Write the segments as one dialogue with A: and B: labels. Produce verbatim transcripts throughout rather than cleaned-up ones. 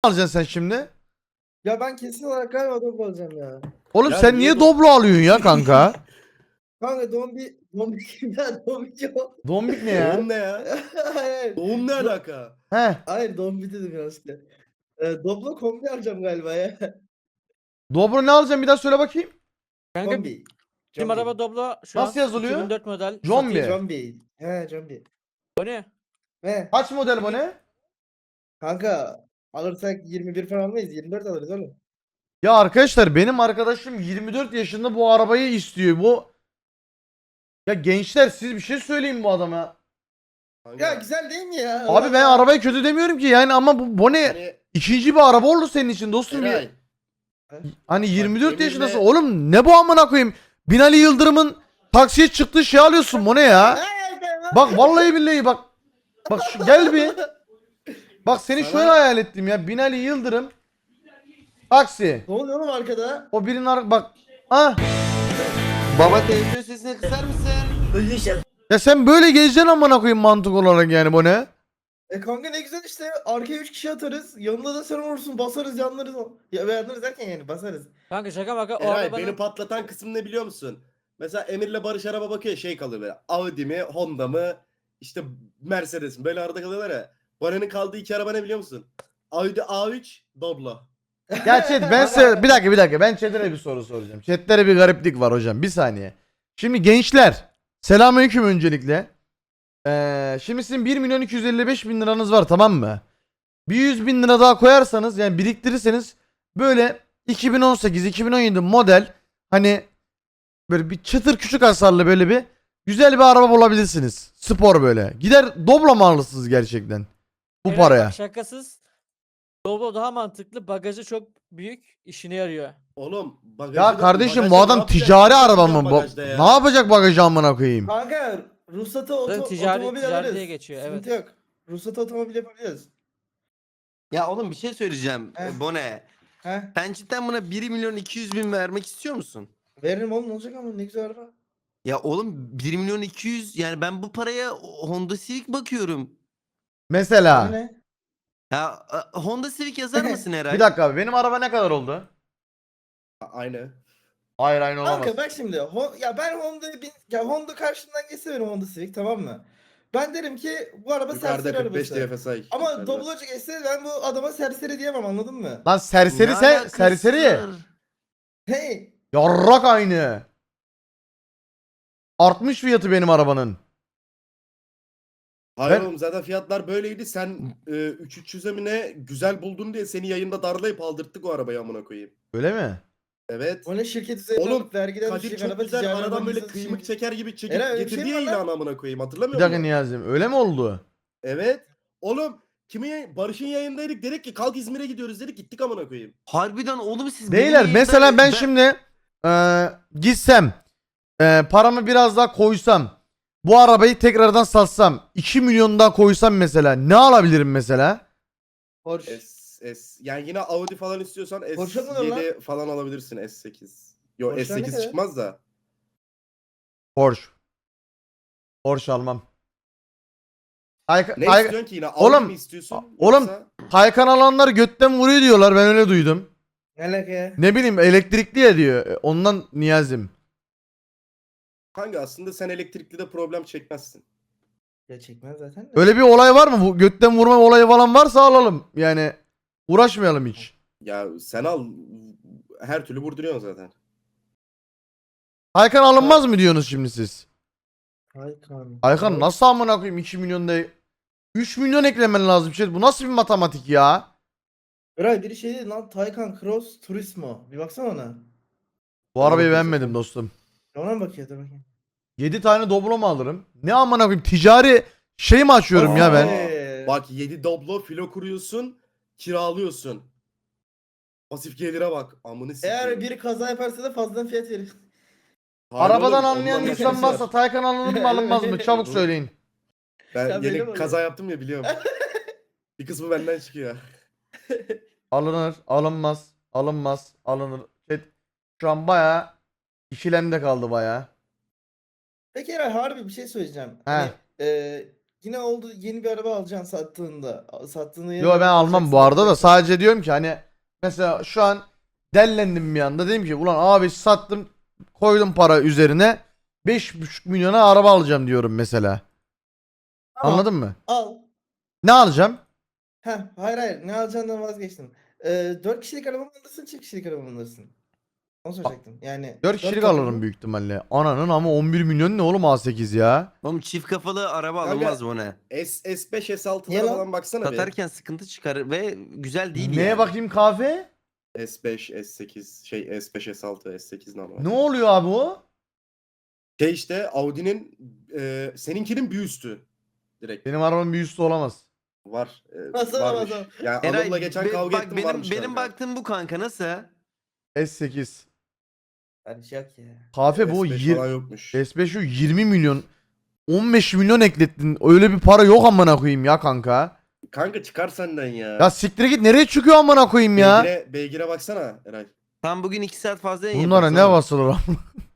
A: alacaksın sen şimdi?
B: Ya ben kesin olarak galiba Doblo alacağım ya.
A: Oğlum
C: Ya
A: sen
C: niye
A: niye
C: do-
A: Doblo alıyorsun ya kanka?
B: Kanka Dombi, Dombi kim ya? Dombi o.
A: Dombik ne ya?
C: Doğum ne ya?
B: Hayır.
C: Doğum ne
B: Do-
C: alaka?
A: He.
B: Hayır Dombi dedim ya işte. Ee, Doblo kombi alacağım galiba ya.
A: Dobro ne alacaksın bir daha söyle bakayım.
D: Kanka
B: Kombi.
D: bizim
B: Combi.
D: araba Doblo şu
A: Nasıl
D: an
A: yazılıyor?
D: iki bin dört model.
A: Combi.
D: satıyor.
B: Combi. He Combi.
D: O ne?
B: He.
A: Kaç model bu ne?
B: Kanka alırsak yirmi bir falan almayız. yirmi dört alırız oğlum.
A: Ya arkadaşlar benim arkadaşım yirmi dört yaşında bu arabayı istiyor. Bu Ya gençler siz bir şey söyleyin bu adama.
C: Kanka,
B: Ya güzel değil mi ya?
A: Abi ben arabayı kötü demiyorum ki yani ama bu, bu ne?
C: hani
A: İkinci bir araba oldu senin için dostum.
C: Eray,
A: Bir, hani yirmi dört
C: Emir'le-
A: yaşındasın. Oğlum ne bu amına koyayım? Binali Yıldırım'ın taksiye çıktığı şey alıyorsun bu ne ya? Bak vallahi billahi bak. Bak şu, gel bir. Bak seni
C: Sana-
A: şöyle hayal ettim ya. Binali Yıldırım taksi.
B: Ne oluyor oğlum arkada?
A: O birinin ar- bak. Ah.
E: Baba televizyon sesini kısar mısın?
A: Ya sen böyle gezeceksin amına koyayım mantık olarak yani bu ne?
B: E kanka ne güzel işte. Arkaya üç kişi atarız. Yanında da sen olursun. Basarız yanlarız. Ya yanlarız derken yani basarız.
D: Kanka şaka maka o
C: Eray
D: arabanın
C: beni patlatan kısım ne biliyor musun? Mesela Emir'le Barış araba bakıyor şey kalıyor böyle. Audi mi, Honda mı, işte Mercedes mi? Böyle arada kalıyorlar ya. Baran'ın kaldığı iki araba ne biliyor musun? Audi A üç, Doblo.
A: Ya chat ben size bir dakika bir dakika ben chat'e bir soru soracağım. Chat'lere bir gariplik var hocam bir saniye. Şimdi gençler selamünaleyküm öncelikle. Ee, şimdi sizin bir milyon iki yüz elli beş bin liranız var tamam mı? Bir yüz bin lira daha koyarsanız yani biriktirirseniz böyle iki bin on sekiz iki bin on yedi model hani böyle bir çıtır küçük hasarlı böyle bir güzel bir araba bulabilirsiniz. Spor böyle. Gider Doblo mu alırsınız gerçekten bu
D: Eray
A: paraya?
D: bak şakasız. Doblo daha mantıklı. Bagajı çok büyük. İşine yarıyor.
C: Oğlum bagajı
A: Ya
C: da-
A: kardeşim
C: bagajda
A: bu
C: ne
A: adam
C: yapacak?
A: ticari
C: Ne
A: araba
C: yapacak
A: mı? Bu-
C: bagajda ya?
A: Ne yapacak bagajı amına koyayım?
B: Kanka ruhsatı oto,
D: Zaten ticari-
B: otomobil
D: ticari
B: alırız.
D: diye geçiyor,
B: Sıkıntı
D: evet.
B: yok. Ruhsatı otomobil yapabiliriz.
E: Ya oğlum bir şey söyleyeceğim.
B: Heh.
E: Bone.
B: He.
E: Sen cidden buna bir milyon iki yüz bin vermek istiyor musun?
B: Veririm oğlum ne olacak ama ne güzel araba.
E: Ya oğlum bir milyon iki yüz yani ben bu paraya Honda Civic bakıyorum.
A: Mesela.
B: Ne?
E: Ya e, Honda Civic yazar mısın Eray?
A: Bir dakika abi benim araba ne kadar oldu?
C: Aynı.
A: Hayır aynı olamaz.
B: Kanka bak şimdi Hon- ya ben Honda'yı bin ya Honda karşımdan geçse benim Honda Civic tamam mı? Ben derim ki bu araba
C: Yukarıda
B: serseri
C: kırk beş
B: arabası.
C: D F S I.
B: Ama
C: Yukarıda.
B: Doblo'cu geçse ben bu adama serseri diyemem anladın mı?
A: Lan serseri
E: Ne
A: sen
E: alakası
A: serseri.
E: var?
B: Hey.
A: Yarrak aynı. Artmış fiyatı benim arabanın.
C: Hayır
A: Ben-
C: oğlum zaten fiyatlar böyleydi. Sen e, üç üç yüze mi ne güzel buldun diye seni yayında darlayıp aldırttık o arabayı amına koyayım.
A: Öyle mi?
C: Evet.
B: O ne şirket üzerinde
C: Oğlum,
B: alıp vergiden
C: Kadir
B: düşecek
C: çok
B: araba
C: güzel
B: ticari
C: aradan
B: araba
C: böyle
B: lisans
C: kıymık
B: için.
C: çeker gibi çekip
B: Eray, öyle bir şey
C: getirdi
B: mi
C: ya
B: var lan?
C: ilanı amına koyayım
A: Bir
C: hatırlamıyor
A: dakika
C: musun?
A: Niyazi'm öyle mi oldu?
C: Evet. Oğlum kimin yayın- Barış'ın yayındaydık dedik ki kalk İzmir'e gidiyoruz dedik gittik amına koyayım.
E: Harbiden oğlum siz
A: Beyler
E: benim
A: mesela
E: yayında-
A: ben şimdi eee, gitsem eee, paramı biraz daha koysam bu arabayı tekrardan satsam iki milyon daha koysam mesela ne alabilirim mesela?
B: Porsche.
C: S, S. Yani yine Audi falan istiyorsan
B: Porsche mi
C: S yedi
B: lan?
C: falan alabilirsin S sekiz. Yo
B: Porsche
C: S
B: ne
C: sekiz
B: kadar?
C: çıkmaz da.
A: Porsche. Porsche almam. Tayka-
C: Ne
A: Tay-
C: istiyorsun ki yine? Audi
A: Oğlum,
C: mi istiyorsun?
A: oğlum-
C: Yoksa-
A: Taycan alanlar götten vuruyor diyorlar ben öyle duydum.
B: Ne alaka ya?
A: Ne bileyim elektrikli ya diyor. E, Ondan Niyazim.
C: Kanka aslında sen elektrikli de problem çekmezsin.
B: Ya çekmez zaten de.
A: Öyle bir olay var mı? Bu götten vurma olayı falan varsa alalım. Yani uğraşmayalım hiç.
C: Ya sen al her türlü vurduruyorsun zaten.
A: Aykan alınmaz mı diyorsunuz şimdi siz?
B: Aykan.
A: Aykan nasıl amına koyayım iki milyon da üç milyon eklemen lazım şey. Bu nasıl bir matematik ya?
B: Eray biri şey dedi lan Taycan Cross Turismo. Bir baksana ona.
A: Bu arabayı
C: bakıyorsun
A: beğenmedim
C: sen.
A: dostum.
B: Ya ona mı bakıyor dur bakayım.
A: yedi tane Doblo mu alırım? Ne amına koyayım ticari şey mi açıyorum ya ben?
B: Ee,
C: Bak yedi Doblo filo kuruyorsun, kiralıyorsun. Pasif gelire bak. Amını sikeyim.
B: Eğer biri kaza yaparsa da fazladan fiyat verir.
C: Hayır
A: Arabadan
C: oğlum,
A: anlayan
C: ondan
A: insan
C: başkası
A: varsa
C: var.
A: Taycan alınır mı alınmaz mı? Çabuk söyleyin.
C: Ben
B: Ya benim
C: yeni
B: oluyor.
C: kaza yaptım ya biliyorum. Bir kısmı benden çıkıyor.
A: Alınır, alınmaz, alınmaz, alınır. Chat, şu an bayağı ikilemde kaldı bayağı.
B: Peki Eray harbi bir şey söyleyeceğim.
A: He.
B: Hani, e, yine oldu yeni bir araba alacaksın sattığında. Sattığında yeni
A: Yo
B: bir
A: ben
B: araba
A: almam
B: alacaksın,
A: bu arada da
B: alacaksın.
A: sadece diyorum ki hani mesela şu an dellendim bir anda dedim ki ulan abi sattım koydum para üzerine beş buçuk milyona araba alacağım diyorum mesela.
B: Tamam,
A: Anladın mı?
B: al.
A: Ne alacağım?
B: Heh, hayır hayır ne alacağından vazgeçtim. Ee, dört kişilik araba mı alırsın çift kişilik araba mı alırsın? Onu soracaktım. Yani
A: dört kişilik
B: kapılı
A: alırım
B: mı?
A: büyük ihtimalle. Ananın ama on bir milyon ne oğlum A sekiz ya?
E: Oğlum çift kafalı araba
C: Kanka,
E: alınmaz bu ne?
C: S, S5 S6'lara
B: Niye lan?
C: falan baksana bir.
E: Satarken sıkıntı çıkar ve güzel değil
A: Neye
E: yani.
A: bakayım kahve?
C: S beş, S sekiz, şey S beş, S altı, S sekiz normal.
A: Ne oluyor abi o?
C: Şey işte Audi'nin e, seninkinin bir üstü. Direkt
A: Benim arabamın bir üstü olamaz.
C: var. E,
B: Nasıl
C: varmış.
B: olamaz
C: Yani
E: Eray,
C: Anıl'la geçen
E: be-
C: kavga
E: bak
C: ettim
E: benim
C: varmış
E: benim
C: kanka.
E: baktığım bu kanka nasıl?
A: S sekiz.
B: Hadi şey yok ya.
A: Kahve bu
C: S beş
A: yir-
C: falan yokmuş.
A: S beş şu yirmi milyon. on beş milyon eklettin. Öyle bir para yok amına koyayım ya kanka.
C: Kanka çıkar senden ya.
A: Ya siktir git nereye çıkıyor amına koyayım ya?
C: Beygire, beygire baksana Eray.
E: Tam bugün iki saat fazla yayın
A: Bunlara
E: yaparız
A: ne
E: oğlum.
A: basılır amına?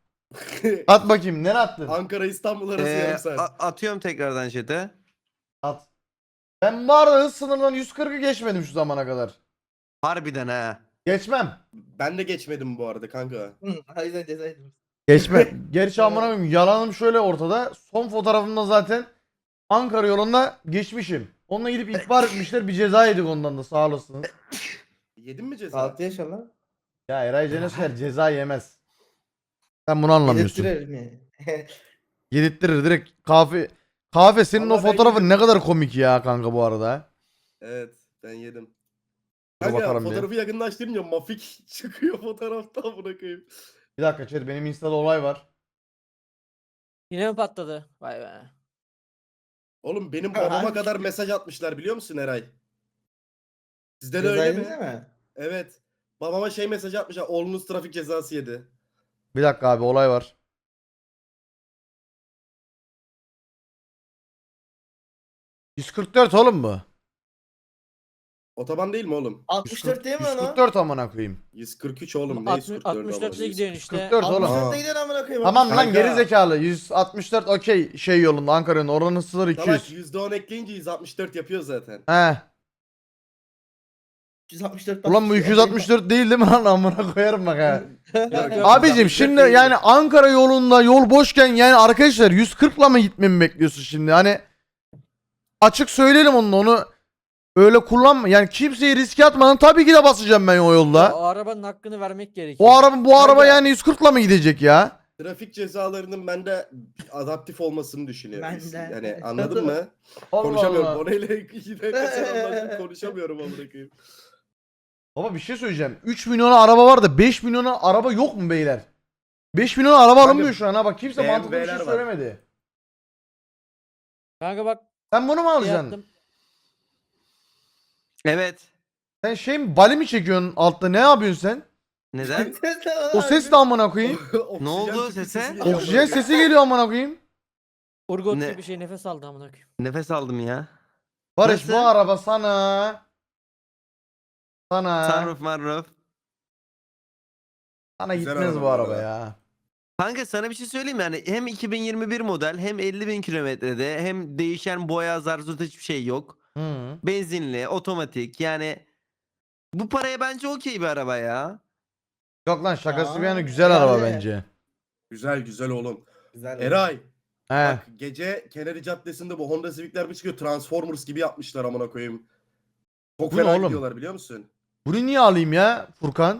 A: At bakayım nereye attın?
C: Ankara İstanbul arası
E: Ee,
C: yarım saat.
E: a- atıyorum tekrardan chat'e.
A: At. Ben bu arada hız sınırından yüz kırkı geçmedim şu zamana kadar.
E: Harbiden ha.
A: Geçmem.
C: Ben de geçmedim bu arada kanka.
B: Hı, o yüzden ceza yedim.
A: Geçme. Gerçi amına koyayım yalanım şöyle ortada. Son fotoğrafımda zaten Ankara yolunda geçmişim. Onunla gidip ihbar etmişler bir ceza yedik ondan da sağ olasınız.
C: Yedin mi ceza?
B: altı yaşa lan.
A: Ya Eray Cenesker ceza yemez. Sen bunu anlamıyorsun.
B: Yedirttirelim yani.
A: Yedirttirir direkt kahve. Kahve senin
C: Vallahi
A: o
C: ben
A: fotoğrafın
C: yedim.
A: ne kadar komik ya kanka bu arada.
C: Evet ben yedim.
A: Dur
C: Kanka
A: bakalım bir.
C: fotoğrafı yakınlaştırınca mafik çıkıyor fotoğrafta bırakayım.
A: Bir dakika chat benim Insta'da olay var.
D: Yine mi patladı? Vay be.
C: Oğlum benim babama kadar mesaj atmışlar biliyor musun Eray? Sizde de
B: Ceza
C: öyle
B: yediniz
C: mi?
B: mi?
C: Evet. Babama şey mesaj atmışlar. Oğlunuz trafik cezası yedi.
A: Bir dakika abi olay var. yüz kırk dört oğlum bu.
C: Otoban değil mi oğlum?
B: altmış dört değil mi lan o?
A: yüz kırk dört amına koyayım.
C: yüz kırk üç oğlum. Ne
D: Altmış-
C: yüz kırk dört
D: altmış dörtte
C: ama?
D: gidiyorsun işte.
A: yüz kırk dört oğlum.
C: Aa.
B: altmış dörtte gidiyor amına koyayım.
A: Tamam lan
C: Kanka.
A: geri zekalı. yüz altmış dört okey şey yolunda Ankara'nın oranın sınırı iki
C: Salak
A: yüz.
C: yüzde on ekleyince yüz altmış dört yapıyor zaten.
A: He.
B: üç yüz altmış dört
A: Ulan bu iki yüz altmış dört değil değil mi lan amına koyarım bak ha.
C: Yok, yok.
A: Abicim
C: yüz altmış
A: şimdi
C: dört değil.
A: yani Ankara yolunda yol boşken yani arkadaşlar yüz kırkla mı gitmemi bekliyorsun şimdi? Hani açık söyleyelim onu onu öyle kullanma. Yani kimseyi riske atmadan tabii ki de basacağım ben o
D: Ya,
A: yolda.
D: o arabanın hakkını vermek gerekiyor.
A: O araba bu araba
C: Kanka.
A: yani yüz kırkla mı gidecek ya?
C: Trafik cezalarının bende adaptif olmasını düşünüyorum.
B: Ben de.
C: Yani anladın mı?
A: Allah
C: Konuşamıyorum.
A: Allah.
C: Orayla iki dakika sen anlaştık konuşamıyorum amına koyayım.
A: Baba bir şey söyleyeceğim. üç milyona araba var da beş milyona araba yok mu beyler? beş milyona araba
C: Kanka,
A: alınmıyor şu an ha bak kimse
C: B M
A: mantıklı bir şey
C: W'ler var.
A: söylemedi.
D: Kanka bak
A: Sen bunu mu
D: şey
A: alacaksın?
D: yaptım.
E: Evet.
A: Sen şey mi bali mi çekiyorsun altta ne yapıyorsun sen?
E: Neden?
A: O ses de amına koyayım.
C: Oksijen
E: oldu
C: tüpü
E: sese?
C: sesi geliyor
A: Oksijen
C: amına koyayım.
A: sesi geliyor amına koyayım.
D: Urgot
E: Ne?
D: gibi bir şey nefes aldı amına koyayım.
E: Nefes aldım ya.
A: Barış
E: Nasıl?
A: bu araba sana sana
E: Sunroof marroof.
A: sana
C: Güzel
A: gitmez
C: araba
A: bu
C: bu
A: araba
C: arada.
A: ya.
E: Kanka sana bir şey söyleyeyim mi? Yani hem iki bin yirmi bir model hem elli bin kilometrede hem değişen boya zarzut hiçbir şey yok.
A: Hı.
E: Benzinli, otomatik yani bu paraya bence okey bir araba ya.
A: Yok lan şakası
B: Ya,
A: bir yana güzel araba
B: yani.
A: bence.
C: Güzel güzel oğlum.
B: Güzel.
C: Eray.
A: He.
C: Bak gece Kennedy Caddesi'nde bu Honda Civic'ler bir çıkıyor. Transformers gibi yapmışlar amına koyayım. Çok
A: Bu ne
C: fena
A: oğlum?
C: gidiyorlar biliyor musun?
A: Bunu niye alayım ya Furkan?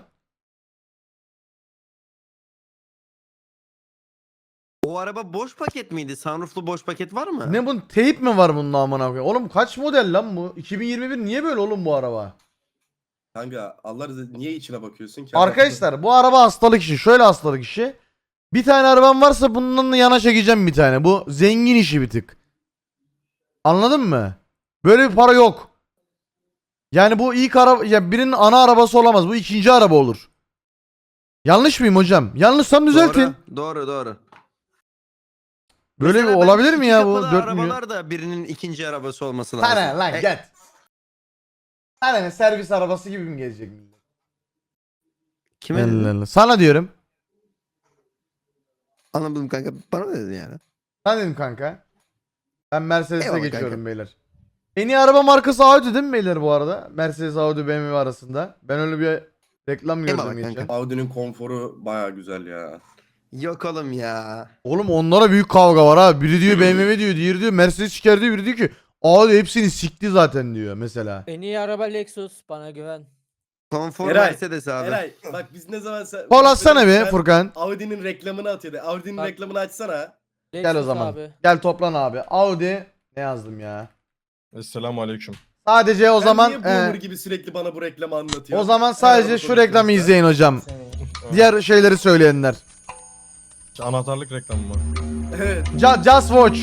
E: O araba boş paket miydi? Sunrooflu boş paket var mı?
A: Ne bunun teyip mi var bunun amına koyayım? Oğlum kaç model lan bu? iki bin yirmi bir niye böyle oğlum bu araba?
C: Kanka Allah razı niye içine bakıyorsun ki?
A: Arkadaşlar bu araba hastalık işi. Şöyle hastalık işi. Bir tane arabam varsa bundan da yana çekeceğim bir tane. Bu zengin işi bir tık. Anladın mı? Böyle bir para yok. Yani bu ilk araba ya birinin ana arabası olamaz. Bu ikinci araba olur. Yanlış mıyım hocam? Yanlışsam düzeltin.
E: Doğru, doğru, doğru.
A: Böyle bir
E: Mesela bence
A: olabilir mi
E: iki
A: ya bu?
E: kapılı
A: dört milyon.
E: arabalar da birinin ikinci arabası olması lazım.
A: Sana lan
E: E,
A: gel. Sana ne servis arabası gibi mi gelecek millet?
E: Kime dedin?
A: Allah Allah. Sana diyorum.
E: Anlamadım kanka. Bana mı dedin yani?
A: Sana dedim kanka. Ben Mercedes'e
E: Eyvallah
A: geçiyorum
E: kanka.
A: beyler. En iyi araba markası Audi değil mi beyler bu arada? Mercedes, Audi, B M W arasında. Ben öyle bir reklam gördüm
E: Eyvallah
A: geçen.
E: kanka.
C: Audi'nin konforu baya güzel ya.
E: Yok oğlum ya.
A: Oğlum onlara büyük kavga var ha. Biri diyor B M W diyor, diğeri diyor Mercedes çıkar diyor, biri diyor ki Audi hepsini sikti zaten diyor mesela.
D: En iyi araba Lexus, bana güven.
E: Konfor
C: Eray,
E: Mercedes abi.
C: Eray bak biz ne zaman sen...
A: Kol atsana bir
C: sen
A: Furkan.
C: Audi'nin reklamını atıyordu. Audi'nin
D: Bak.
C: reklamını açsana.
A: Gel o
D: Lexus
A: zaman.
D: abi.
A: Gel toplan abi. Audi ne yazdım ya?
F: Esselamu aleyküm.
A: Sadece o
C: Sen
A: zaman
C: niye boomer
A: e,
C: gibi sürekli bana bu reklamı anlatıyor?
A: o zaman sadece
C: Araba
A: şu
C: konusunda.
A: reklamı izleyin hocam.
B: Seni.
A: Diğer şeyleri söyleyenler.
F: Anahtarlık reklamı mı?
C: Evet.
A: Ju- Just watch.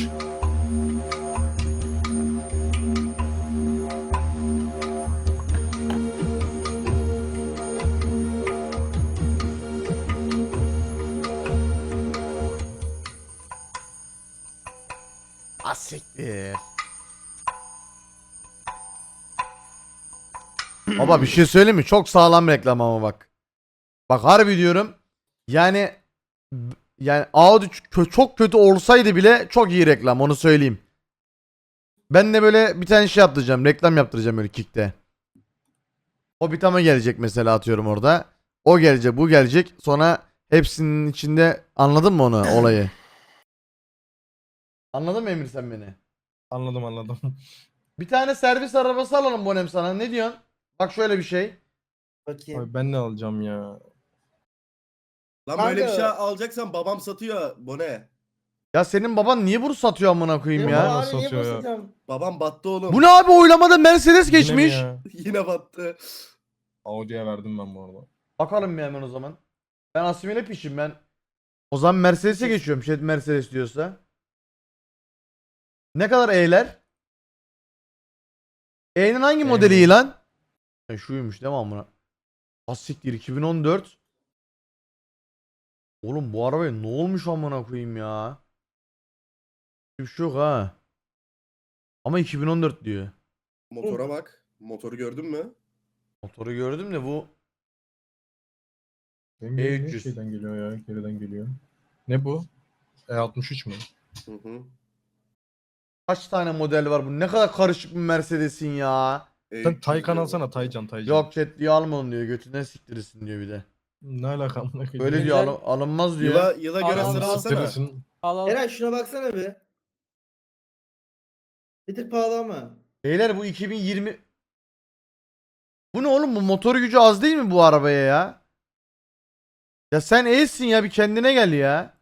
A: Asiktir. Baba bir şey söyleyeyim mi? Çok sağlam reklam ama bak. Bak harbi diyorum. Yani b- yani Audi ç- çok kötü olsaydı bile çok iyi reklam, onu söyleyeyim. Ben de böyle bir tane şey yaptıracağım. Reklam yaptıracağım böyle Kick'te. Hobbit ama gelecek mesela, atıyorum orada. O gelecek, bu gelecek. Sonra hepsinin içinde, anladın mı onu, olayı? Anladın mı Emir sen beni?
F: Anladım anladım.
A: Bir tane servis arabası alalım Bonem sana. Ne diyorsun? Bak şöyle bir şey.
B: Bakayım.
F: Abi ben ne alacağım ya?
C: Lan böyle bir
B: Kanka.
C: şey alacaksan babam satıyor. Bu ne?
A: Ya senin baban niye bunu satıyor amına koyayım
B: Benim
A: ya?
F: baba-
B: abi niye
F: satıyor ya.
B: basacağım?
C: Babam battı oğlum.
A: Bu ne abi, oylamada Mercedes
F: Yine mi
A: geçmiş.
F: ya?
C: Yine battı.
F: Audi'ye verdim ben bu arada.
A: Bakalım bir hemen o zaman. Ben asimile pişim ben. O zaman Mercedes'e geçiyorum. Şey Mercedes diyorsa. Ne kadar E'ler? E'nin hangi modeli iyi lan? Ha, şuymuş değil mi amına? Asiktir iki bin on dört. Oğlum bu arabaya ne olmuş amına koyayım ya? Bir şey yok ha. Ama iki bin on dört diyor.
C: Motora bak. Motoru gördün mü?
A: Motoru gördüm de bu
F: Benim
A: E
F: benim
A: üç yüz.
F: şeyden geliyor ya, geriden geliyor. Ne bu? E altmış üç mü?
C: Hı hı.
A: kaç tane model var, bu ne kadar karışık bir Mercedes'in ya.
C: E,
F: Sen Taycan alsana, Taycan Taycan.
A: Yok chat diyor, alma onu diyor, götünden siktirirsin diyor bir de.
F: Ne alaka amına koyayım?
A: Böyle
D: Güzel.
A: diyor, alın- alınmaz diyor.
C: Yıla, yıla göre
D: Al, al,
C: sıra
D: al.
C: alsana.
F: Siktirirsin.
D: Al al.
B: Eray şuna baksana bir. Bir tık pahalı ama.
A: Beyler bu iki bin yirmi. Bu ne oğlum, bu motor gücü az değil mi bu arabaya ya? Ya sen E'sin ya, bir kendine gel ya.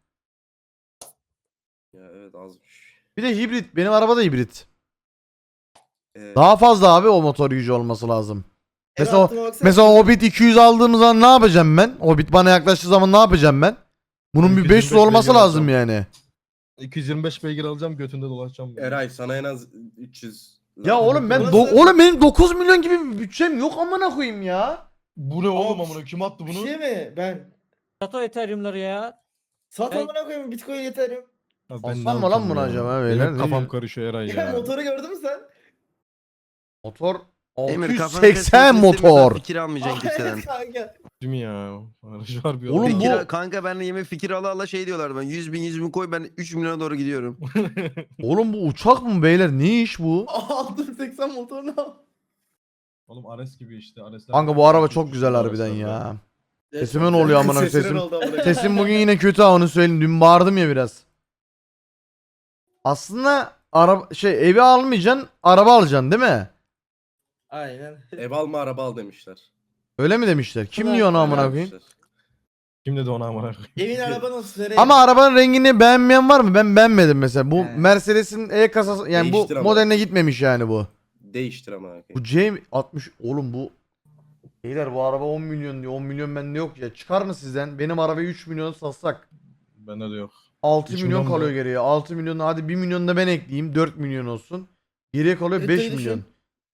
C: Ya evet azmış.
A: Bir de hibrit, benim araba da hibrit.
C: Ee,
A: Daha fazla abi o motor gücü olması lazım.
B: Eray
A: Mesela,
B: altıma baksana.
A: mesela Hobbit iki yüz aldığımız zaman ne yapacağım ben? Hobbit bana yaklaştığı zaman ne yapacağım ben? Bunun bir
F: iki yüz
A: beş yüz
F: yirmi beş
A: olması
F: beygir
A: lazım
F: alacağım.
A: yani.
F: iki yüz yirmi beş beygir alacağım, götünde dolaşacağım.
C: Eray sana en az üç yüz.
A: Ya
C: lazım.
A: oğlum ben
B: Burası-
A: do- oğlum benim dokuz milyon gibi bir bütçem yok amına koyayım ya.
F: Bu ne oğlum
B: Aa,
F: amına, kim attı
B: Bir
F: bunu?
B: şey mi? Ben.
D: Sato Ethereum'ları ya.
B: Sat
D: Ben-
B: amına koyayım, Bitcoin yeterim.
F: Ya
A: Alsam mı lan
F: alacağım
A: bunu
F: ya?
A: acaba
F: Benim
A: beyler?
F: hep
A: Ne
F: kafam
A: diyor?
F: karışıyor Eray
B: Ya
F: ya.
B: motoru gördün mü sen?
A: Motor
E: Emir kafanı
A: altı yüz seksen
E: kesmesini istemiyorsan
A: motor.
E: Fikir almayacaksın kimseden.
B: Evet kanka.
F: Değil mi ya? Harbi
A: Oğlum
F: oğlum
A: bu-
E: Fikir, kanka benle yemek fikir ala ala şey diyorlar, ben yüz bin yüz bin koy, ben üç milyona doğru gidiyorum.
A: Oğlum bu uçak mı beyler? Ne iş bu?
B: altı yüz seksen motorunu al.
F: Oğlum Ares gibi işte. Aresler
A: Kanka bu araba çok güzel harbiden ya. Sesime ne oluyor amına koyayım?
C: Sesinin
A: Sesim,
C: oldu amına koyayım.
A: sesim bugün yine kötü ha, onu söyleyeyim. Dün bağırdım ya biraz. Aslında araba şey, evi almayacaksın, araba alacaksın değil mi?
B: Aynen.
C: Ev alma araba al demişler.
A: Öyle mi demişler? Kim
D: Evet,
A: diyor onu
D: öyle
A: amına
C: Öyle
A: koyayım?
C: demişler.
F: Kim dedi ona amına koyayım?
B: Evin araba nasıl? Nereye?
A: Ama arabanın rengini beğenmeyen var mı? Ben beğenmedim mesela. Bu
B: He.
A: Mercedes'in E kasası, yani
C: Değiştir
A: bu
C: ama.
A: modeline gitmemiş yani bu.
C: Değiştir ama.
A: Bu C altmış oğlum bu. Beyler bu araba on milyon diyor. on milyon bende yok ya. Çıkar mı sizden? Benim arabayı üç milyon satsak.
F: Bende de yok.
A: altı
F: üç
A: milyon
F: milyon
A: kalıyor
F: mu?
A: geriye. altı milyon, hadi bir milyon da ben ekleyeyim. dört milyon olsun. Geriye kalıyor
B: E,
A: beş
B: tabii
A: milyon.
B: düşün.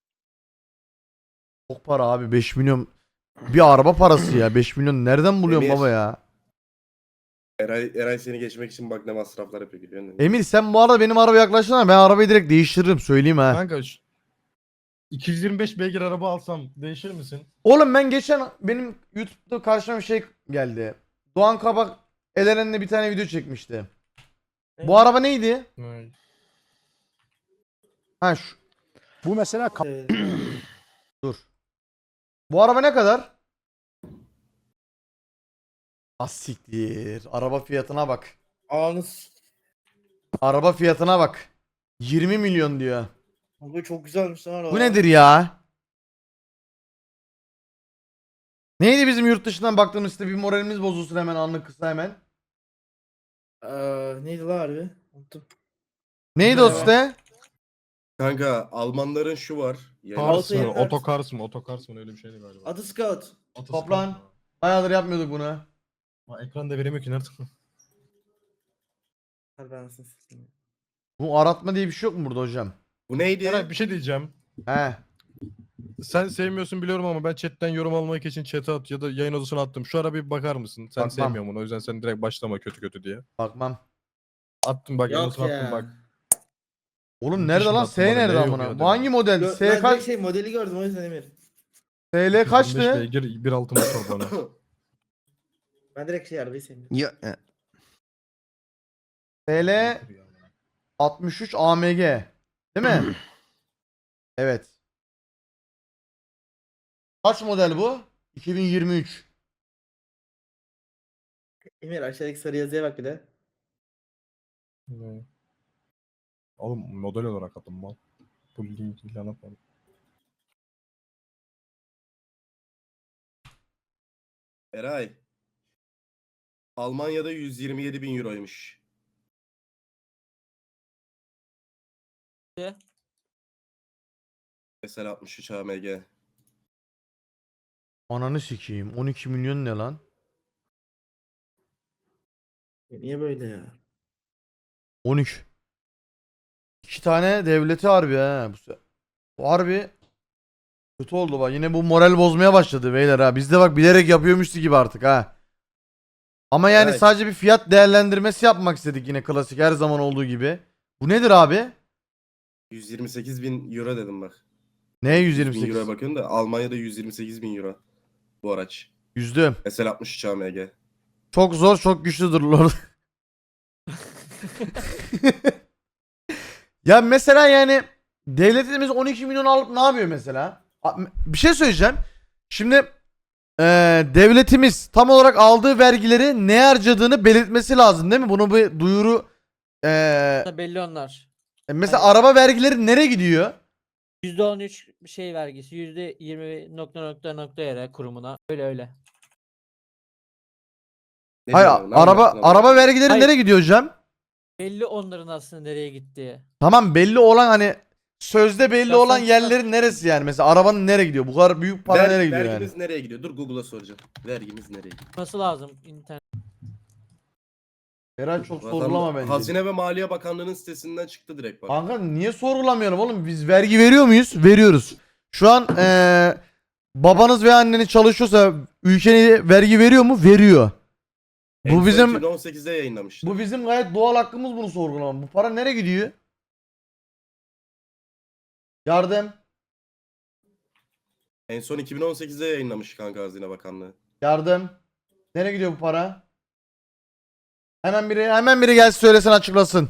A: Çok para abi, beş milyon. Bir araba parası ya. beş milyon nereden buluyorsun
C: Emir.
A: baba ya?
C: Eray, Eray seni geçmek için bak ne masraflar yapıyor biliyor musun?
A: Emir sen bu arada benim arabaya yaklaşsana. Ben arabayı direkt değiştiririm, söyleyeyim ha.
F: Kanka şu- iki yüz yirmi beş beygir araba alsam değişir misin?
A: Oğlum ben geçen benim YouTube'da karşıma bir şey geldi. Doğan Kabak Eleren'le bir tane video çekmişti. Bu araba neydi?
F: Vay.
A: Ha şu.
G: Bu mesela
B: Evet.
A: Dur. Bu araba ne kadar? Asiktir. Araba fiyatına bak.
B: Anız.
A: Araba fiyatına bak. yirmi milyon diyor.
B: Bu çok güzelmiş lan.
A: Bu nedir ya? Neydi bizim yurt dışından baktığımız site, bir moralimiz bozulsun hemen, anlık kısa hemen.
B: Ee, neydi lan harbi? Unuttum.
A: Neydi o
B: Merhaba.
A: site?
C: Kanka Almanların şu var. Yani
F: Cars
B: Altı
F: mı?
B: yirmi dört.
F: Otokars mı? Otokars mı? Öyle bir şeydi galiba.
B: Adı Scout.
F: Otoscout
A: Toplan.
F: mu?
A: Bayağıdır yapmıyorduk bunu.
F: Ha, ekran da veremiyor ki nerede?
B: Harbi anasını satayım.
A: Bu aratma diye bir şey yok mu burada hocam?
C: bu neydi?
F: Eray bir şey diyeceğim.
A: He.
F: Sen sevmiyorsun biliyorum ama ben chatten yorum almak için chat'e at ya da yayın odasına attım. Şu ara bir bakar mısın? Sen
A: Bakmam.
F: sevmiyorsun bunu. O yüzden sen direkt başlama kötü kötü diye.
A: Bakmam.
F: Attım bak yayın
B: Yok
F: odasına attım
B: ya.
F: bak.
A: Oğlum
F: Yurt
A: nerede
F: dışında
A: lan?
F: attım
A: S
F: bana,
A: nerede
F: ne yok
A: amına?
F: ya
A: Bu hangi model?
B: Gö-
A: S
B: ben direkt
A: kaç?
B: şey modeli gördüm o yüzden Emir.
A: S L
F: iki yüz yirmi beş
A: kaçtı?
F: beygir bir altı motor bana.
B: Ben direkt şey arabayı sevmiyorum.
E: Ya, e,
A: S L altmış üç A M G. Değil mi? Evet. Kaç model bu? iki bin yirmi üç.
B: Emir aşağıdaki sarı yazıya bak bir de.
F: Ne? Oğlum model olarak attım mal. Bu link ilan atmadım.
C: Eray. Almanya'da yüz yirmi yedi bin euroymuş.
D: Ne?
C: Mesela altmış üç A M G.
A: Ananı sikeyim. on iki milyon ne lan?
B: Niye böyle ya?
A: on üç. İki tane devleti harbi ha. Bu, se- bu harbi kötü oldu bak. Yine bu moral bozmaya başladı beyler ha. Biz de bak bilerek yapıyormuşuz gibi artık ha. Ama yani
C: Evet.
A: sadece bir fiyat değerlendirmesi yapmak istedik yine, klasik her zaman olduğu gibi. Bu nedir abi?
C: yüz yirmi sekiz bin euro dedim bak.
A: Ne
C: yüz bin euroya
A: yüz yirmi sekiz?
C: bakıyorum da Almanya'da yüz yirmi sekiz bin euro bu araç.
A: Yüzdüm.
C: Mesela altmış üç A M G.
A: Çok zor, çok güçlüdür Lord. Ya mesela yani devletimiz on iki milyon alıp ne yapıyor mesela? A- Bir şey söyleyeceğim. Şimdi eee, devletimiz tam olarak aldığı vergileri ne harcadığını belirtmesi lazım değil mi? Bunu bir duyuru eee,
D: Belli onlar.
A: mesela araba vergileri nereye gidiyor?
D: yüzde on üç şey vergisi, yüzde yirmi nokta nokta nokta yere kurumuna. Öyle öyle.
C: Ne
A: Hayır,
C: diyorsun? Ne
A: araba
C: anlattın ama?
A: araba vergileri
D: Hayır.
A: nereye gidiyor hocam?
D: Belli onların aslında nereye gittiği.
A: Tamam, belli olan hani sözde belli
D: Ya
A: olan
D: sonuçta-
A: yerlerin neresi yani? Mesela arabanın nereye gidiyor? Bu kadar büyük para
C: Ver-
A: nereye gidiyor yani?
C: vergimiz nereye gidiyor? Dur Google'a soracağım. Vergimiz nereye gidiyor?
D: Nasıl lazım internet?
A: Herhalde çok
C: Vatan-
A: sorgulama bence.
C: Hazine ve Maliye Bakanlığı'nın sitesinden çıktı direkt bak.
A: Kanka niye sorgulamıyorum oğlum? Biz vergi veriyor muyuz? Veriyoruz. Şu an eee, babanız ve anneniz çalışıyorsa ülkeye vergi veriyor mu? Veriyor.
C: En
A: Bu
C: son
A: bizim
C: iki bin on sekizde yayınlamıştı.
A: bu bizim gayet doğal hakkımız bunu sorgulamak. Bu para nereye gidiyor? Yardım.
C: En son iki bin on sekizde yayınlamış kanka Hazine Bakanlığı.
A: Yardım. Nereye gidiyor bu para? Hemen biri hemen biri gelsin söylesin, açıklasın.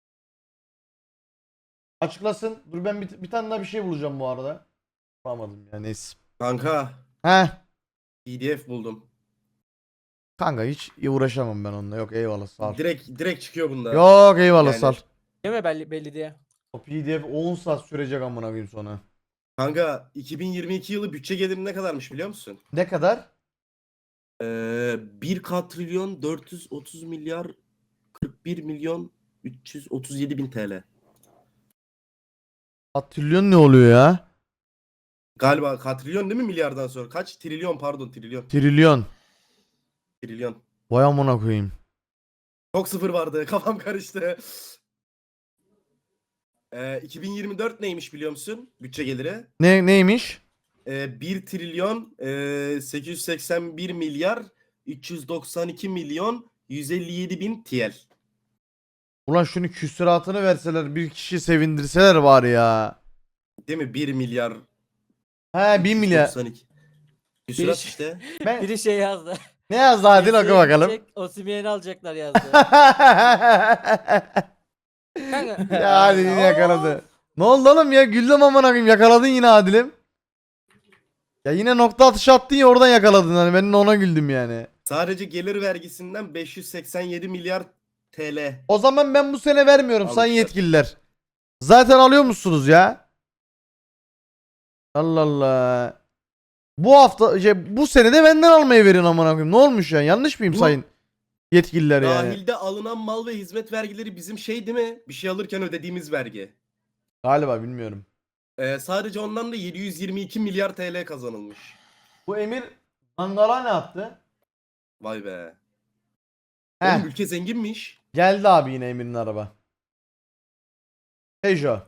A: Açıklasın. Dur ben bir, bir tane daha bir şey bulacağım bu arada. Bulamadım ya, neyse.
C: Kanka
A: Heh.
C: P D F buldum.
A: Kanka hiç uğraşamam ben onunla. Yok eyvallah, sağ ol.
C: Direkt direkt çıkıyor bunda.
A: Yok eyvallah,
C: Yani-
A: sağ ol.
D: Değil mi belli, belli diye.
A: O P D F on saat sürecek amına koyayım sonra.
C: Kanka iki bin yirmi iki yılı bütçe geliri ne kadarmış biliyor musun?
A: Ne kadar?
C: Ee, bir katrilyon dört yüz otuz milyar kırk bir milyon üç yüz otuz yedi bin T L.
A: Atrilyon ne oluyor ya?
C: Galiba katrilyon değil mi milyardan sonra? Kaç? Trilyon pardon trilyon.
A: Trilyon.
C: Trilyon.
A: Vay amına koyayım.
C: Çok sıfır vardı kafam karıştı. Ee, iki bin yirmi dört neymiş biliyor musun? Bütçe geliri.
A: Ne neymiş?
C: Ee, bir trilyon e, sekiz yüz seksen bir milyar üç yüz doksan iki milyon yüz elli yedi bin T L.
A: Ulan şunu küsuratını verseler, bir kişi sevindirseler var ya.
C: Değil mi? bir milyar
A: He bir milyar.
C: doksan iki. Küsurat
D: Bir-
C: işte.
A: Ben...
D: Biri şey yazdı.
A: Ne yazdı, hadi oku bakalım.
D: Osimhen'i alacaklar yazdı. Kanka.
A: Ya hadi yine yakaladı. Ne oldu oğlum ya? Güldüm amına koyayım. Yakaladın yine Adil'im. Ya yine nokta atışı attın ya, oradan yakaladın. Hani ben de ona güldüm yani.
C: Sadece gelir vergisinden beş yüz seksen yedi milyar T L.
A: O zaman ben bu sene vermiyorum sayın
C: Almışlar.
A: yetkililer. Zaten alıyor musunuz ya? Allah Allah. Bu hafta şey, bu sene de benden almayı verin amına koyayım. Ne olmuş ya? Yanlış mıyım
C: Bu-
A: sayın yetkililer yani?
C: Dahilde alınan mal ve hizmet vergileri bizim şey değil mi? Bir şey alırken ödediğimiz vergi.
A: Galiba bilmiyorum.
C: Ee, sadece ondan da yedi yüz yirmi iki milyar T L kazanılmış.
A: Bu Emir Mangala ne yaptı?
C: Vay be.
A: Heh,
C: Oğlum ülke zenginmiş.
A: geldi abi yine Emir'in araba. Peugeot.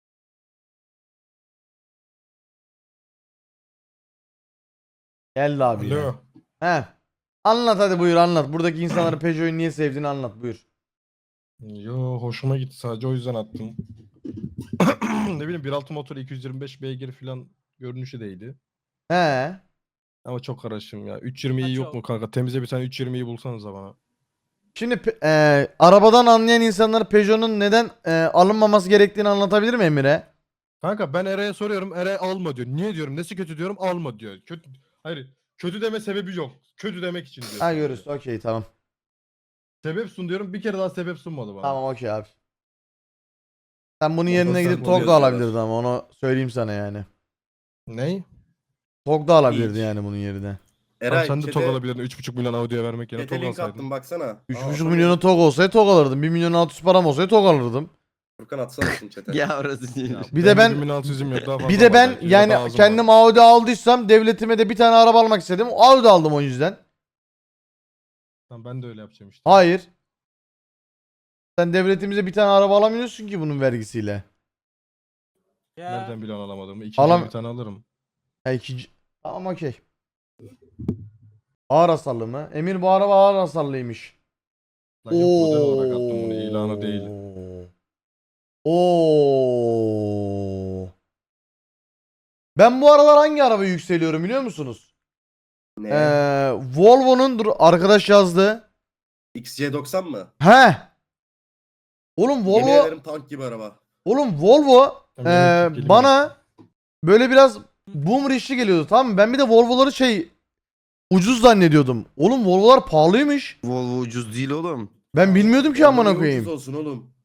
A: Geldi abi yine.
F: Alo.
A: He. Anlat hadi, buyur anlat. Buradaki insanların Peugeot'u niye sevdiğini anlat, buyur.
F: Yo, hoşuma gitti, sadece o yüzden attım. Ne bileyim, bir nokta altı motor iki yüz yirmi beş beygir falan görünüşü değildi.
A: He.
F: Ama çok karışım ya. üç yirmi iyi
D: Ha,
F: yok
D: çok.
F: mu kanka? Temize bir tane üç yirmiyi bulsanıza bana.
A: Şimdi pe- e, arabadan anlayan insanlara Peugeot'un neden e, alınmaması gerektiğini anlatabilir mi Emir'e?
F: Kanka ben Eray'a soruyorum. Eray alma diyor. Niye diyorum? Nesi kötü diyorum? Alma diyor. Kötü, hayır. Kötü deme sebebi yok. Kötü demek için diyor.
A: Ha
F: sadece.
A: görürüz. Okey tamam.
F: Sebep sun diyorum. Bir kere daha sebep sunmadı bana.
A: Tamam okey abi. Sen bunun
C: Ondan
A: yerine
C: sonra
A: gidip
C: oluyor
A: T O G da
C: diyorlar.
A: alabilirdin ama onu söyleyeyim sana yani.
F: Ney?
A: T O G da alabilirdin
C: Hiç.
A: yani bunun yerine.
F: Tamam,
C: Eray
F: sen de
C: chat'e-
F: TOG alabilirdin. üç buçuk milyon Audi'ye vermek yerine
C: chat'e
F: TOG
C: link
F: alsaydın.
C: attım baksana.
A: üç
C: Aa,
A: buçuk
C: atamıyorum.
A: milyonu T O G olsaydı T O G alırdım. bir milyon altı yüz param olsaydı T O G alırdım.
C: Furkan atsana şunu chat'e.
E: Ya orası değil.
F: Ya,
A: Bir de ben-
F: bir bin altı yüzüm yok, daha fazla
A: Bir de
F: var
A: ben
F: belki, ya da
A: yani
F: azım
A: kendim
F: var.
A: Audi aldıysam devletime de bir tane araba almak istedim. Audi aldım o yüzden.
F: Tamam, ben de öyle yapacağım işte.
A: Hayır. Sen devletimize bir tane araba alamıyorsun ki bunun vergisiyle.
D: Ya.
F: Nereden biliyorsun alamadığımı? İkinci
A: Alam-
F: bir tane alırım.
A: Ha ikinci... Tamam okey. Ağır hasarlı mı? Emir bu araba ağır hasarlıymış.
F: Lan yok, model olarak attım bunu, ilanı değil.
A: Oo. Ben bu aralar hangi araba yükseliyorum biliyor musunuz?
C: Ne?
A: Ee, Volvo'nun dur arkadaş yazdı.
C: X C doksan mı?
A: He. Oğlum
C: Yemin
A: Volvo,
C: ederim tank gibi araba.
A: oğlum Volvo
F: Tamam,
A: ee,
F: elektrik geliyor.
A: bana böyle biraz boomer işli geliyordu, tamam mı? Ben bir de Volvo'ları şey ucuz zannediyordum. Oğlum Volvo'lar pahalıymış.
E: Volvo ucuz değil oğlum.
A: Ben bilmiyordum ki
C: Oğlum
A: amına
C: niye
A: koyayım.
C: ucuz olsun oğlum.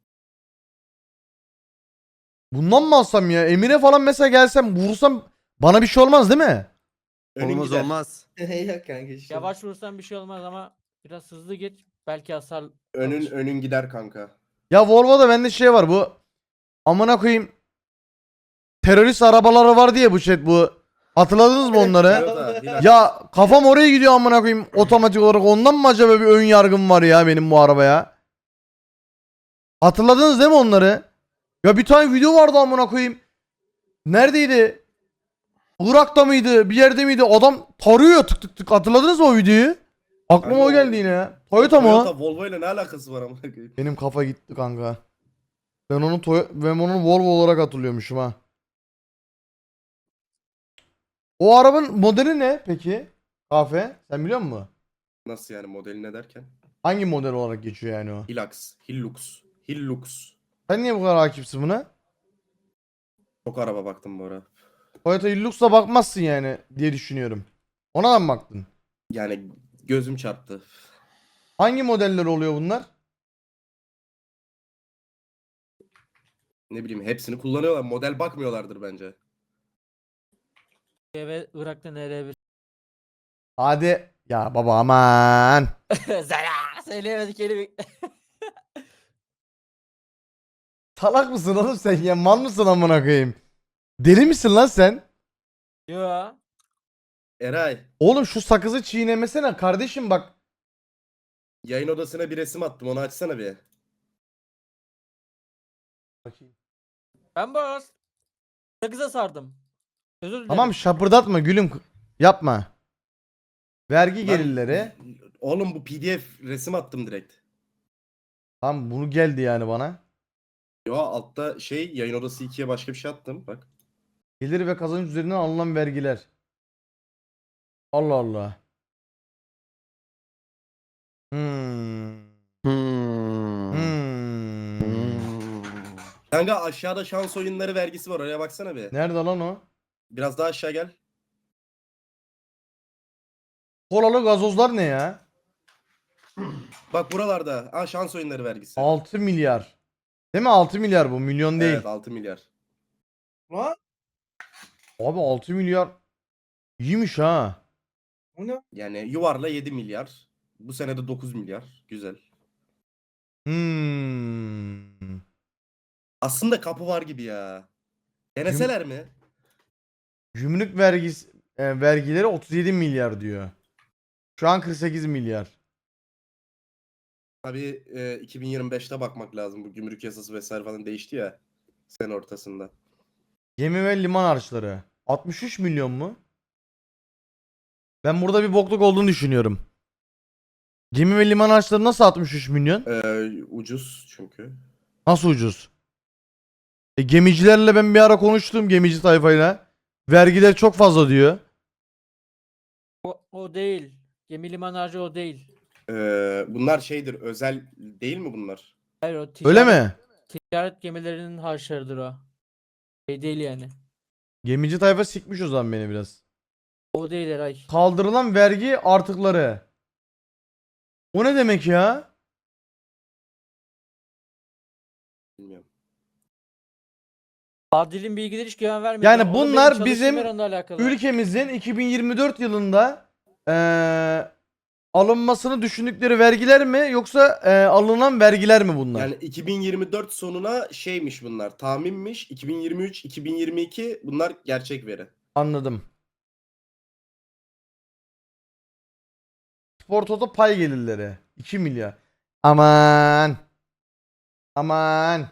A: Bundan mı alsam ya? Emir'e falan mesela gelsem vursam bana bir şey olmaz değil mi?
C: Önün
E: Olmaz
C: gider.
E: olmaz.
B: Yok kanka işte.
D: Yavaş vursan bir şey olmaz ama biraz hızlı git. Belki hasar
C: Önün
D: alır.
C: önün gider kanka.
A: Ya Volvo'da bende şey var, bu amına koyayım terörist arabaları var diye bu chat bu. Hatırladınız mı onları?
C: Toyota, Hilux.
A: Ya kafam oraya gidiyor amına koyayım otomatik olarak. Ondan mı acaba bir ön yargım var ya benim bu arabaya? Hatırladınız değil mi onları? Ya bir tane video vardı amına koyayım. Neredeydi? Irak'ta mıydı? Bir yerde miydi? Adam tarıyor tık tık tık. Hatırladınız mı o videoyu? Aklıma
C: Kanka
A: o
C: o-
A: geldi yine ya. Toyota mı o?
C: Toyota Volvo ile ne alakası var amına koyayım?
A: Benim kafa gitti kanka. Ben onu Toy ben onu Volvo olarak hatırlıyormuşum ha. O arabanın modeli ne peki? Kafe. Sen biliyor musun?
C: Nasıl yani modeli ne derken?
A: Hangi model olarak geçiyor yani o?
C: Hilux, Hilux, Hilux.
A: Sen niye bu kadar hakimsin buna?
C: Çok araba baktım bu ara.
A: Toyota Hilux'a bakmazsın yani diye düşünüyorum. Ona da mı baktın?
C: Yani gözüm çarptı.
A: Hangi modeller oluyor bunlar?
C: Ne bileyim hepsini kullanıyorlar. Model bakmıyorlardır bence.
D: Ve Irak'ta nereye bir
A: Hadi. Ya baba aman.
D: Zara söyleyemedik kelime.
A: Salak mısın oğlum sen ya? Mal mısın amına koyayım? Deli misin lan sen?
D: Yo.
C: Eray,
A: Oğlum şu sakızı çiğnemesene kardeşim bak.
C: yayın odasına bir resim attım. Onu açsana bir.
D: Ben boz. Sakıza sardım. Özür dilerim.
A: Tamam şapırdatma gülüm. Yapma. Vergi
C: Lan-
A: gelirleri.
C: Oğlum bu P D F resim attım direkt.
A: Tamam bunu geldi yani bana.
C: Yo altta şey yayın odası ikiye başka bir şey attım. Bak.
A: Gelir ve kazanç üzerinden alınan vergiler. Allah Allah. Hmm.
E: Hmm.
A: Hmm.
E: Hmm.
C: Kanka aşağıda şans oyunları vergisi var. Oraya baksana bir.
A: Nerede lan o?
C: Biraz daha aşağı gel.
A: Kolalı gazozlar ne ya?
C: Bak buralarda. Aa, şans oyunları vergisi.
A: altı milyar. Değil mi? altı milyar bu. Milyon değil.
C: Evet, altı milyar.
B: Lan
A: Abi altı milyar. İyiymiş ha.
B: o ne?
C: Yani yuvarla yedi milyar. Bu sene de dokuz milyar. Güzel.
A: Hmm.
C: Aslında kapı var gibi ya. Deneseler mi?
A: Gümrük vergisi e, vergileri otuz yedi milyar diyor. Şu an kırk sekiz milyar.
C: Tabii e, iki bin yirmi beşte bakmak lazım. Bu gümrük yasası vesaire falan değişti ya. Sene ortasında.
A: Gemi ve liman harçları. altmış üç milyon mu? Ben burada bir bokluk olduğunu düşünüyorum. Gemi ve liman harçları nasıl altmış üç milyon?
C: Ee, ucuz çünkü.
A: Nasıl ucuz? E, gemicilerle ben bir ara konuştum, gemici tayfayla. Vergiler çok fazla diyor.
D: O, o değil. Gemi liman harcı o değil.
C: Ee, bunlar şeydir, özel değil mi bunlar?
D: Hayır o
A: Öyle
D: ticaret,
A: mi?
D: ticaret gemilerinin harçlarıdır o. Şey değil yani.
A: Gemici tayfa sikmiş o zaman beni biraz.
D: O değil Eray.
A: Kaldırılan vergi artıkları. O ne demek ya?
C: Bilmiyorum.
D: Adil'in bilgileri hiç güven vermiyor.
A: Yani
D: Onu
A: bunlar
D: benim
A: bizim
D: çalıştığım yer onunla alakalı.
A: Ülkemizin iki bin yirmi dört yılında eee, alınmasını düşündükleri vergiler mi yoksa eee, alınan vergiler mi bunlar?
C: Yani iki bin yirmi dört sonuna şeymiş bunlar, tahminmiş. iki bin yirmi üç, iki bin yirmi iki bunlar gerçek veri.
A: Anladım. Spor Toto pay gelirleri iki milyar. Aman. Aman.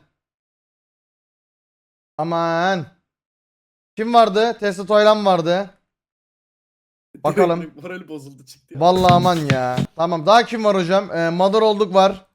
A: Aman. Kim vardı? Tesla Toylan vardı. Bakalım.
C: Morali bozuldu çıktı ya.
A: Vallahi aman ya. Tamam, daha kim var hocam? Ee, Mother olduk var.